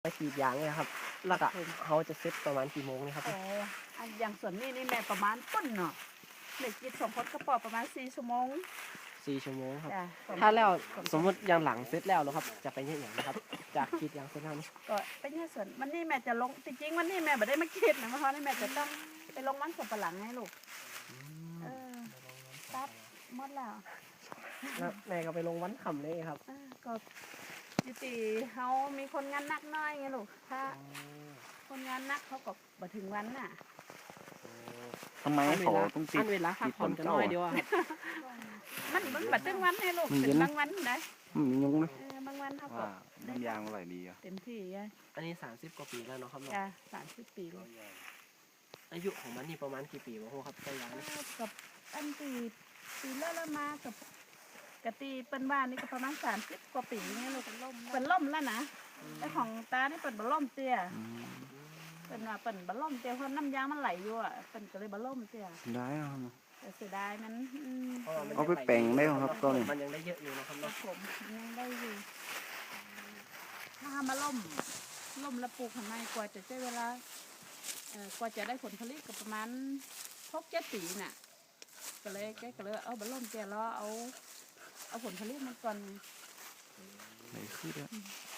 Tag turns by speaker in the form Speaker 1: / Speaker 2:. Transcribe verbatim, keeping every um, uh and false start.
Speaker 1: ไปกรีดยางเนี่ยครับแล้วก็เขาจะเซ็ตประมาณกี่โมงนี่ครับ
Speaker 2: อ๋ออันอย่างส่วนนี้นี่แม่ประมาณต้นเนาะเหล็กกิดสองคนกระป๋อประมาณสี่ชั่วโมง
Speaker 1: สี่ชั่วโมงครับ
Speaker 2: จ้ะ
Speaker 1: ถ้าแล้วสมมติยางหลังเซ็ตแล้วแล้วครับจะไปเนี่ยอย่างนะครับจากกรีดยางเซ็ตแล้วนี่
Speaker 2: ก็ไปเนี่ยส่วนวันนี้แม่จะลงจริงๆวันนี้แม่ไม่ได้มาคิดนะเพราะนี่แม่จะต้องไปลงมันสับปะหลังให้ลูกเออตัดหมดแล้ว
Speaker 1: แล้วแม่ก็ไปลงวันขำเลยครับ
Speaker 2: เออก็ยุติเขามีคนงานนักน้อยไงลูกถ้าคนงานนักเขาก็บ่ถึงวันน่ะ
Speaker 3: ทำไมเขาต้องติ
Speaker 1: อั
Speaker 3: ด
Speaker 1: นเวลาพักผ่อนกันน้อยเดียวอะครับ
Speaker 2: มันมันบัดถึงวันให้ลูก
Speaker 3: มันเย็
Speaker 2: ถึ
Speaker 3: น
Speaker 2: งบางวันได้
Speaker 3: อืมยุงนะ
Speaker 2: เออบางวันเขาก็
Speaker 3: ว่าน้ำยางอร่อยดีอ่ะ
Speaker 2: เต็มที่ไง
Speaker 1: อันนี้สามสิบกว่าปีแล้วเนาะครับเนาะ
Speaker 2: จ้ะสามสิบปีลูก
Speaker 1: อายุของมันนี่ประมาณกี่ปีวะโหครับต้นยางนี่
Speaker 2: กับอันปีปีเลิกแล้วมากับกะตีเป็นบ้านนี่ก็ประมาณสามสิบกว่าปีไงลูกเป็นล่มเป็นล่มแล้วนะแต่ของตานี่เป็นบะล่มเตี้ย
Speaker 3: อืม
Speaker 2: เป็นว่าเป็นบะล่มเตี้ยเพราะน้ำยางมันไหลอยู่อ่ะเป็นก็เลยบะล่มเตี้ย
Speaker 3: ได้อ่ะครับ
Speaker 2: แต่เสียดายมันอืม
Speaker 1: พระว่มัน
Speaker 3: เอาไปแปลงได้ครับต้น
Speaker 1: มันยังได้เยอะอยู่นะครับ
Speaker 2: ครั
Speaker 1: เนาะ
Speaker 2: บผมยังได้อยู่ถ้ามาล่มล่มแล้วปลูกข้างในกว่าจะใช้เวลาเอ่อกว่าจะได้ผลผลิตก็ประมาณหกเจ็ดปีน่ะก็เลยแกก็เลยเอาบะล่มแกล้อเอาเอาผลผลิตมันก่อน
Speaker 3: ไหนขึ้นอ่ะ
Speaker 2: อืม